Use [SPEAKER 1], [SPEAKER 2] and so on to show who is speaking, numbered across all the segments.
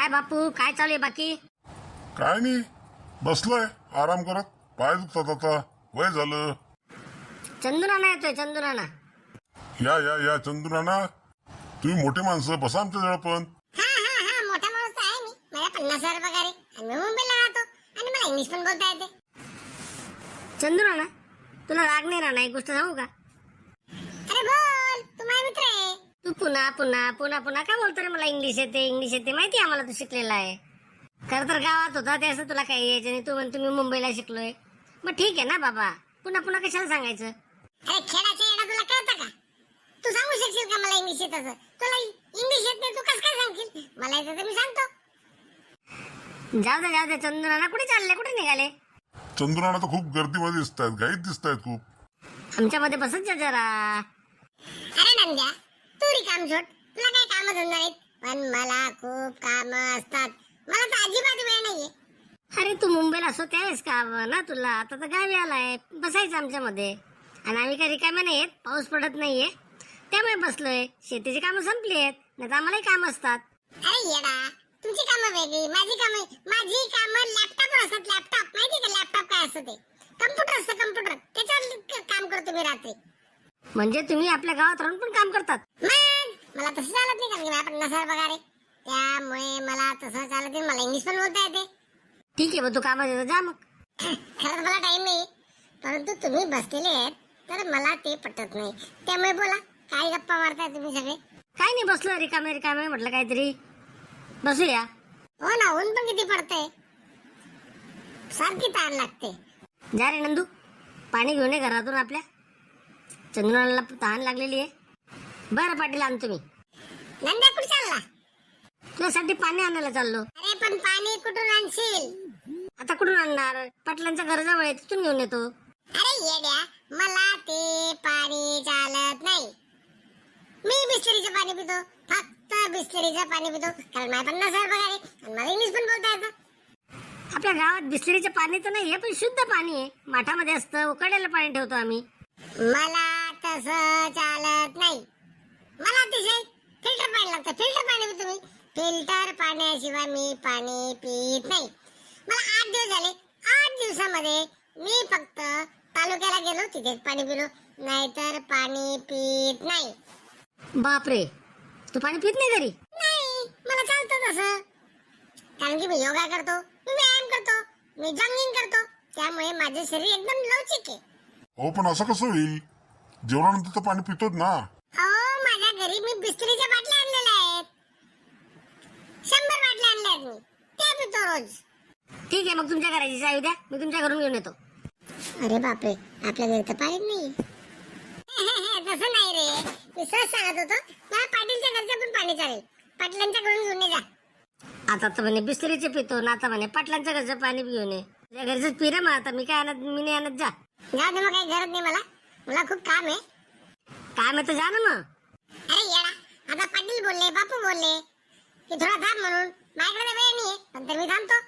[SPEAKER 1] काय बापू, काय चालू आहे बाकी?
[SPEAKER 2] काय नाही, बसलोय आराम करत. पाय दुखतात आता, वय झालं.
[SPEAKER 1] चंदुराना येतोय, चंदुराना.
[SPEAKER 2] या या या चंदुराना, तुम्ही मोठे माणसं, बसा आमच्या जवळ पण.
[SPEAKER 3] हा मोठा माणूस तर आहे मी. मला 50,000 पगार आहे आणि मी मुंबईला राहतो आणि मला इंग्लिश पण बोलता येते.
[SPEAKER 1] चंदुराना, तुला राग नाही राहणार, एक गोष्ट सांगू का?
[SPEAKER 3] अरे बोल, तू माझा मित्र आहे.
[SPEAKER 1] तू पुन्हा पुन्हा पुन्हा पुन्हा काय बोलतो रे? मला इंग्लिश येते, इंग्लिश येते. माहिती आहे आम्हाला तू शिकलेला आहे. खरं तर गावात होता ते असं तुला काही यायचं नाही. तू म्हणतो मी मुंबईला शिकलोय. मग ठीक आहे ना बाबा, पुन्हा पुन्हा कशाला सांगायचं?
[SPEAKER 3] अरे खेळाच्या येडा तुला कळतं का? तू सांगू शकशील का मला इंग्लिश येत असं? तुला इंग्लिश येत नाही, तू कसं काय सांगशील? मला येतं तर मी सांगतो.
[SPEAKER 1] जाऊ दे चंदुराना, कुठे चालले, कुठे निघाले?
[SPEAKER 2] चंदुराना तर खूप गर्दीमध्ये दिसत आहेत, घाईत दिसत आहेत खूप.
[SPEAKER 1] आमच्यामध्ये बसत जा जरा.
[SPEAKER 3] अरे नंद्या, तू रिकाम सोड. तुला काय काम धंदा नाहीत, पण मला खूप काम असतात. मला तर अजिबात वेळ नाहीये.
[SPEAKER 1] अरे तू मुंबईला असो त्यावेळेस का ना तुला, आता तर गावी आलाय, बसायचं आमच्यामध्ये. आणि आम्ही काही रिकाम्या नाही आहेत, पाऊस पडत नाहीये त्यामुळे बसलोय. शेतीची कामं संपली आहेत, नाही तर आम्हालाही काम असतात.
[SPEAKER 3] अरे येडा, तुमची कामं वेगळी, माझी कामं लॅपटॉपवर असतात. लॅपटॉप माहिती का? लॅपटॉप काय असतं ते? कम्प्युटर असतं, कम्प्युटर. त्याच्यावर काम करतो मी रात्री.
[SPEAKER 1] म्हणजे तुम्ही आपल्या गावात राहून पण काम करतात?
[SPEAKER 3] मग मला तसं चालत नाही, कारण की मला 50,000 पगार आहे. त्यामुळे मला तसं चालत नाही. मला इंग्लिश पण बोलता येते.
[SPEAKER 1] ठीक आहे, मग तू कामात येतो, जा मग.
[SPEAKER 3] खरंच मला टाइम नाही, परंतु तुम्ही बसलेले आहेत तर मला ते पटत नाही. त्यामुळे बोला, काय गप्पा मारताय तुम्ही सगळे?
[SPEAKER 1] काय नाही, बसलो रिकामे म्हटलं काहीतरी बसूया.
[SPEAKER 3] हो ना, ऊन पण किती पडतंय, सारखी ताण लागते.
[SPEAKER 1] जा रे नंदू, पाणी घेऊन ये घरातून. आपल्या चंद्राला तहान लागलेली आहे. बरं पाटील, आणतो मी.
[SPEAKER 3] नंद्या कुठे चालला?
[SPEAKER 1] तुझ्यासाठी पाणी आणायला चाललो.
[SPEAKER 3] अरे पण पाणी कुठून आणशील?
[SPEAKER 1] आता कुठून आणणार? पाटलांच्या घराजवळ आहे, तिथून घेऊन येतो.
[SPEAKER 3] अरे येड्या, मला ते पाणी चालत नाही. मी बिस्लरीचं पाणी पितो, फक्त बिस्लरीचं पाणी पितो, कारण मला 50,000 पगार आहे आणि मला इंग्लिश पण बोलता येतं.
[SPEAKER 1] आपल्या गावात बिस्लरीचं पाणी तर नाहीये, पण शुद्ध पाणी आहे. माठामध्ये असतं, उकळलेलं पाणी ठेवतो आम्ही.
[SPEAKER 3] मला तसं चालत नाही. मला अतिशय फिल्टर पाणी लागतं. फिल्टर पाणी पितो मी. फिल्टर पाण्याशिवाय मी पाणी पित नाही. मला 8 दिवस झाले. 8 दिवसामध्ये मी फक्त तालुक्याला गेलो, तिथेच पाणी पिलो, नाहीतर पाणी पित नाही.
[SPEAKER 1] बापरे, तू पाणी पित नाही घरी?
[SPEAKER 3] नाही, मला चालतं तसं, कारण की मी योगा करतो, मी व्यायाम करतो, मी जॉगिंग करतो. त्यामुळे माझे शरीर एकदम लवचिक आहे.
[SPEAKER 2] हो, पण असं कसं होईल? जेवणानंतर तर पाणी पितोच ना.
[SPEAKER 3] हो, माझ्या घरी मी बिस्लरीच्या बाटल्या आणलेल्या आहेत. 100 बाटल्या आणल्या आहेत मी, त्या पितो रोज.
[SPEAKER 1] ठीक आहे, मग तुमच्या घराची चावी द्या, मी तुमच्या घरून घेऊन येतो.
[SPEAKER 3] अरे बापरे, आपल्या घरी तर पाणी नाही. तसं नाही रे, मी सहज सांगत होतो, मला पाटीलच्या घरचं पण पाणी चालेल. पाटलांच्या घरून घेऊन ये जा.
[SPEAKER 1] आता तर म्हणे बिस्लरीचे पितो ना, आता म्हणे पाटलांच्या घरचं पाणी घेऊन ये. तुझ्या घरचंच पी रे. मग आता मी काय आणत, मी नाही आणत. जा.
[SPEAKER 3] जाऊ दे, मग काही गरज नाही मला खूप काम आहे.
[SPEAKER 1] काय म्हणतो, जा ना मग.
[SPEAKER 3] अरे येडा, आता पाटील बोलले, बापू बोलले की थोडा थांब म्हणून. माझ्याकडे वेळ नाहीये, पण तर मी थांबतो.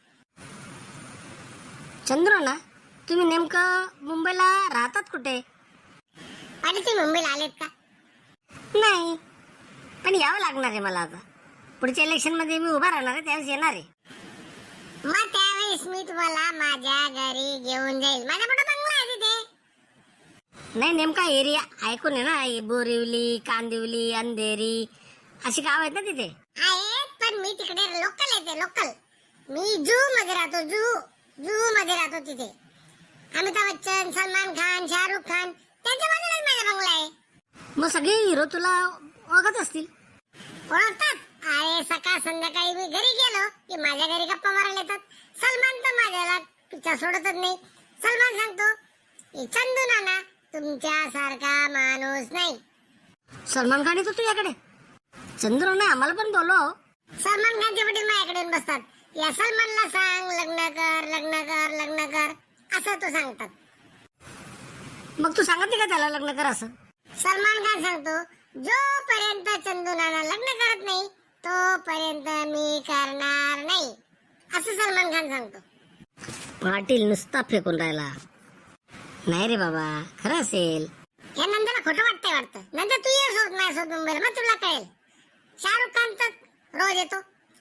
[SPEAKER 1] चंद्र ना, तुम्ही नेमकं मुंबईला राहतात कुठे?
[SPEAKER 3] पाटील, तुम्ही मुंबईला आलेत का?
[SPEAKER 1] नाही, पण यावं लागणार आहे मला. आता पुढच्या इलेक्शन मध्ये मी उभा राहणार आहे, त्यावेळेस येणार आहे.
[SPEAKER 3] मग त्यावेळेस मी तुम्हाला माझ्या घरी घेऊन जाईल. माझा मोठा बंगला आहे तिथे.
[SPEAKER 1] नाही, नेमका एरिया ऐकून आहे ना, बोरिवली, कांदिवली, अंधेरी अशी गाव आहेत ना तिथे.
[SPEAKER 3] आहेत, पण मी तिकडे लोकल येते, लोकल. मी जू मध्ये राहतो, जू मध्ये राहतो. तिथे अमिताभ बच्चन, सलमान खान, शाहरुख खान, त्यांच्या बाजूलाच माझा बंगला आहे.
[SPEAKER 1] मग सगळे हिरो तुला ओळखत असतील.
[SPEAKER 3] ओळखतात? अरे सकाळ संध्याकाळी मी घरी गेलो की माझ्या घरी गप्पा मारायला येतात. सलमान तर माझ्याला पिक्चर सोडतच नाही. सलमान सांगतो, चंदू नाना तुमच्यासारखा माणूस नाही.
[SPEAKER 1] सलमान खान येतो तुझ्याकडे? चंद्र नाही, आम्हाला पण बोलव.
[SPEAKER 3] सलमान खानचे वडील माझ्याकडे येऊन बसतात. या सलमानला सांग लग्न कर, लग्न कर, लग्न कर, असं तो सांगतात.
[SPEAKER 1] मग तू सांगत नाही का त्याला लग्न कर असं?
[SPEAKER 3] सलमान खान सांगतो, जोपर्यंत चंदू नाना लग्न करत नाही तोपर्यंत मी करणार नाही, असं सलमान खान सांगतो.
[SPEAKER 1] पाटील नुसता फेकून राहिला. नाही रे बाबा, खरं असेल.
[SPEAKER 3] या नंदला खोटं वाटतंय वाटतं. नंतर तू ये सोड माझ्यासोबत मुंबईला, मग तुला कळेल. शाहरुख खान तर रोज येतो,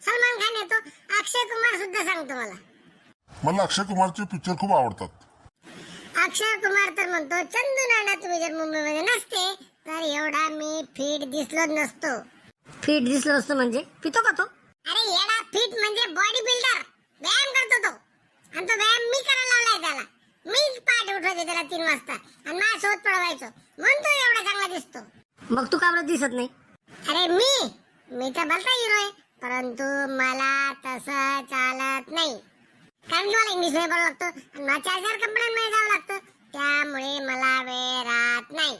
[SPEAKER 3] सलमान खान येतो, अक्षय कुमार सुद्धा सांगतो मला.
[SPEAKER 2] मला अक्षय कुमारचे पिक्चर खूप आवडतात.
[SPEAKER 3] अक्षय कुमार तर म्हणतो, चंदू नाना तुम्ही जर मुंबईमध्ये नसते तर एवढा मी फिट दिसलोच नसतो.
[SPEAKER 1] फिट दिसलो असतो म्हणजे पितो का तो?
[SPEAKER 3] अरे येडा, फिट म्हणजे बॉडी बिल्डर, व्यायाम करतो तो. आणि तो व्यायाम मी करायला लावलाय त्याला. मी पाठ उठवायचे त्याला 3 वाजता आणि माझ्या शोध पळवायचो, म्हणून तो एवढा चांगला दिसतो.
[SPEAKER 1] मग तू का बरं दिसत नाही?
[SPEAKER 3] अरे मी तर भलता हिरो आहे, परंतु मला तसं चालत नाही. कारण की मला इंग्लिश मध्ये बोलावं लागतं आणि मला 4 कंपन्यांमध्ये जावं लागतं, त्यामुळे मला वेळ राहत नाही.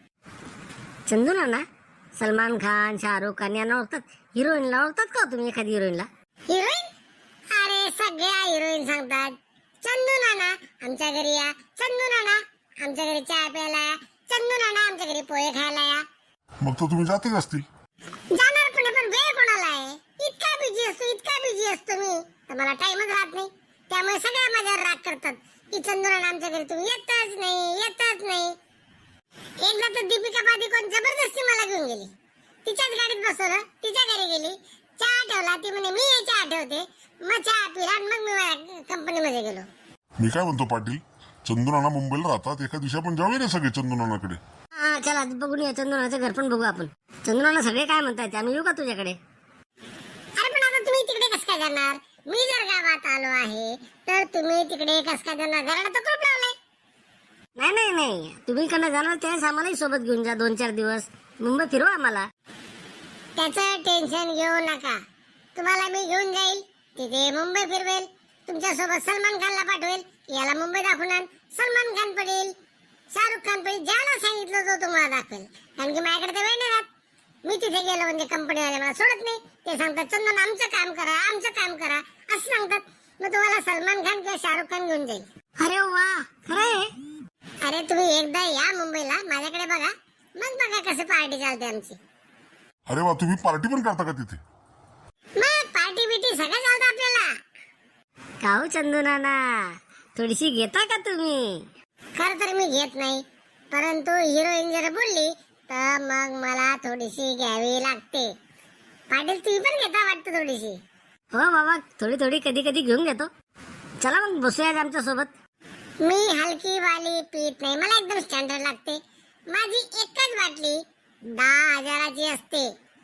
[SPEAKER 1] चंदू नाना, सलमान खान, शाहरुख खान यांना ओळखतात, हिरोईनला ओळखतात का तुम्ही एखादी हिरोईनला?
[SPEAKER 3] हिरोईन? अरे सगळ्या हिरोईन सांगतात, चंदू नाना आमच्या घरी या, चंदू नाना आमच्या घरी चहा प्यायला या, चंदू नाना आमच्या घरी पोहे खायला या.
[SPEAKER 2] मग तर तुम्ही जातच असतील.
[SPEAKER 3] जाणार पण वेळ कोणाला आहे? इतका बिझी असतो मी, तर मला टाइमच राहत नाही. त्यामुळे सगळ्या माझ्यावर राग करतात की चंदू नाना आमच्या घरी तुम्ही येतच नाही. एकदा तर दीपिका पादुकोण जबरदस्ती मला घेऊन गेली, तिच्याच गाडीत बसवलं, तिच्या घरी गेली, चहा ठेवला, ती म्हणे मी हे चहा ठेवते, मग चहा पिला आणि मग मी कंपनीमध्ये गेलो.
[SPEAKER 2] मी काय म्हणतो पाटील, चंदूनाना मुंबईला राहतात, एका दिवशी आपण जाऊया ना सगळे चंदूनानाकडे.
[SPEAKER 1] हा चला बघून या, चंदू नानाचं घर पण बघू आपण. चंदू नाना सगळे काय म्हणतायत, आम्ही येऊ का तुझ्याकडे?
[SPEAKER 3] अरे पण आता तुम्ही तिकडे कसं काय जाणार? मी जर गावात आलो आहे तर तुम्ही तिकडे कसं काय जाणार? घराला तर कुलूप लावलंय.
[SPEAKER 1] नाही, तुम्ही इकडनं जाणार त्यावेळेस आम्हालाही सोबत घेऊन जा, 2-4 दिवस मुंबई फिरवा आम्हाला.
[SPEAKER 3] त्याचं टेन्शन घेऊ नका, तुम्हाला मी घेऊन जाईल, तिथे मुंबई फिरवेल, तुमच्यासोबत सलमान खानला पाठवेल, याला मुंबई दाखवून आण. सलमान खान पडेल, शाहरुख खान पडेल, ज्याला सांगितलं तो तुम्हाला दाखवेल. कारण की माझ्याकडे तर वेळ नाही राहत. मी तिथे गेलो म्हणजे कंपनीवाले मला सोडत नाही, ते सांगतात चंदन आमचं काम करा असं सांगतात. मग तुम्हाला सलमान खान किंवा शाहरुख खान घेऊन जाईल.
[SPEAKER 1] अरे वा, खरं आहे?
[SPEAKER 3] अरे तुम्ही एकदा या मुंबईला, माझ्याकडे बघा, मग बघा कसं पार्टी चालते आमची.
[SPEAKER 2] अरे वा, तुम्ही पार्टी पण करता का तिथे?
[SPEAKER 3] मग पार्टी बिटी सगळं चालतं आपल्याला.
[SPEAKER 1] का हो चंदू नाना, थोडीशी घेता का तुम्ही?
[SPEAKER 3] खर तर मी घेत नाही, परंतु हिरोईन जर बोलली तर मग मला थोडीशी घ्यावी लागते. पाटील तुम्ही पण घेता वाटतं थोडीशी?
[SPEAKER 1] हो बाबा, थोडी कधी घेऊन घेतो. चला मग बसूया आमच्या सोबत.
[SPEAKER 3] मी हलकी वाली पीत नाही, मला एकदम स्टँडर्ड लागते. माझी एकच बाटली 10,000ची असते.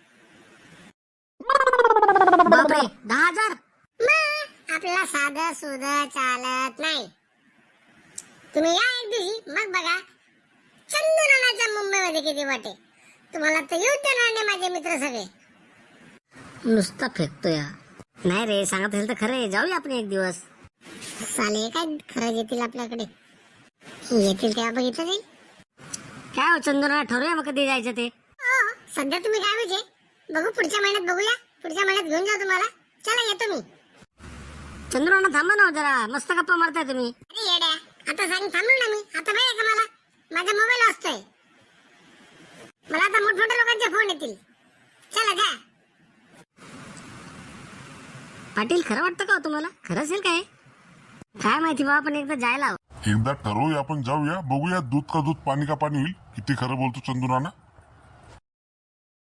[SPEAKER 1] बापरे, 10,000?
[SPEAKER 3] मग आपल्याला साधं सुधं चालत नाही. तुम्ही या एक दिवशी, मग बघा चंदू नानाच्या मुंबईमध्ये किती वाटे. तुम्हाला तर येऊ देणार नाही माझे मित्र सगळे.
[SPEAKER 1] नुसता फेकतोय. नाही रे, सांगत असेल तर खरं आहे, जाऊया आपण एक दिवस.
[SPEAKER 3] साले काय खरं येतील आपल्याकडे, येतील तेव्हा बघितलं जाईल.
[SPEAKER 1] काय हो चंदू नाना, ठरवूया मग कधी जायचं ते.
[SPEAKER 3] हो, सध्या तुम्ही काय म्हणजे बघू, पुढच्या महिन्यात बघूया, पुढच्या महिन्यात घेऊन जा तुम्हाला. चला येतो मी.
[SPEAKER 1] चंदू नाना थांबा ना जरा, मस्त गप्पा मारताय तुम्ही.
[SPEAKER 3] अरे येड्या, आता सांग थांबलो ना मी. आता माहिती का मला माझा मोबाईल वाजतोय, मला आता मोठमोठ्या लोकांचे फोन येतील. चला जा.
[SPEAKER 1] पाटील, खरं वाटतं का हो तुम्हाला? खरं असेल काय माहिती बाबा, पण एकदा जायला हवं.
[SPEAKER 2] एकदा ठरवूया, आपण जाऊया, बघूया दूध का दूध पाणी का पाणी होईल. किती खरं बोलतो चंदूनाना.